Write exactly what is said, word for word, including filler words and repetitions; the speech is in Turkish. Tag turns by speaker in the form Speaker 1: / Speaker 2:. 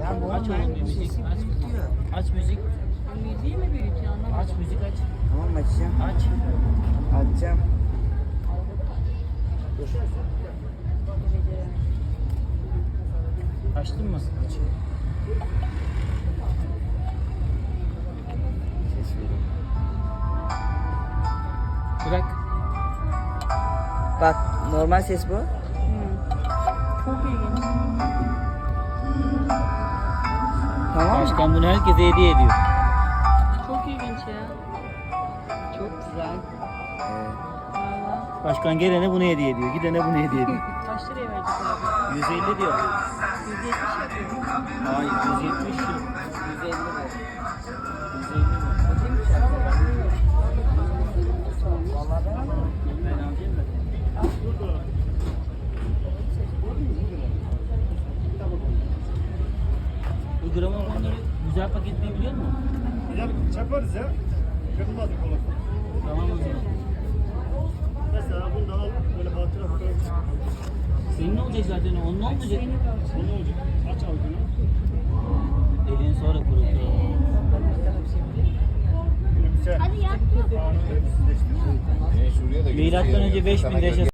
Speaker 1: Aç oğlum bir müzik. Aç. Aç müzik.
Speaker 2: Müziği mi büyütüyor anlamadım.
Speaker 1: Aç müzik aç.
Speaker 3: Tamam açacağım.
Speaker 1: Aç.
Speaker 3: Açacağım.
Speaker 1: Açtın mı? Aç.
Speaker 3: Ses vereyim.
Speaker 1: Bırak.
Speaker 3: Bak normal ses bu.
Speaker 2: Hı. Çok ilginç.
Speaker 3: Tamam mı?
Speaker 1: Başkan bunu herkese hediye ediyor.
Speaker 2: Çok ilginç ya. Çok güzel.
Speaker 3: Evet.
Speaker 2: Valla.
Speaker 1: Başkan gelene bunu hediye ediyor. Gidene bunu hediye ediyor.
Speaker 2: Kaç liraya verecek abi?
Speaker 1: yüz elli diyor.
Speaker 2: yüz yetmiş yapıyor.
Speaker 1: Hayır yüz yetmiş yok.
Speaker 3: yüz elli lira.
Speaker 1: yüz elli mi?
Speaker 3: Vallahi ben alırım.
Speaker 1: Ben alacağım da. Bu gramon onları güzel paketleyebiliyor musun?
Speaker 4: Güzel çaparız ya. Kırılmaz bir kolak.
Speaker 1: Tamam o zaman.
Speaker 4: Mesela bunu da al böyle hatıra fotoğrafı çek.
Speaker 1: Senin ne olacak zaten? Onun olmayacak.
Speaker 4: Bu ne olacak? Aç al bunu.
Speaker 1: Elini sonra kurutur.
Speaker 4: Gülümse.
Speaker 2: Hadi yap.
Speaker 4: Anı ölümsüzleştir.
Speaker 5: Yine şuraya da
Speaker 1: Milattan önce beş binde yaşasın.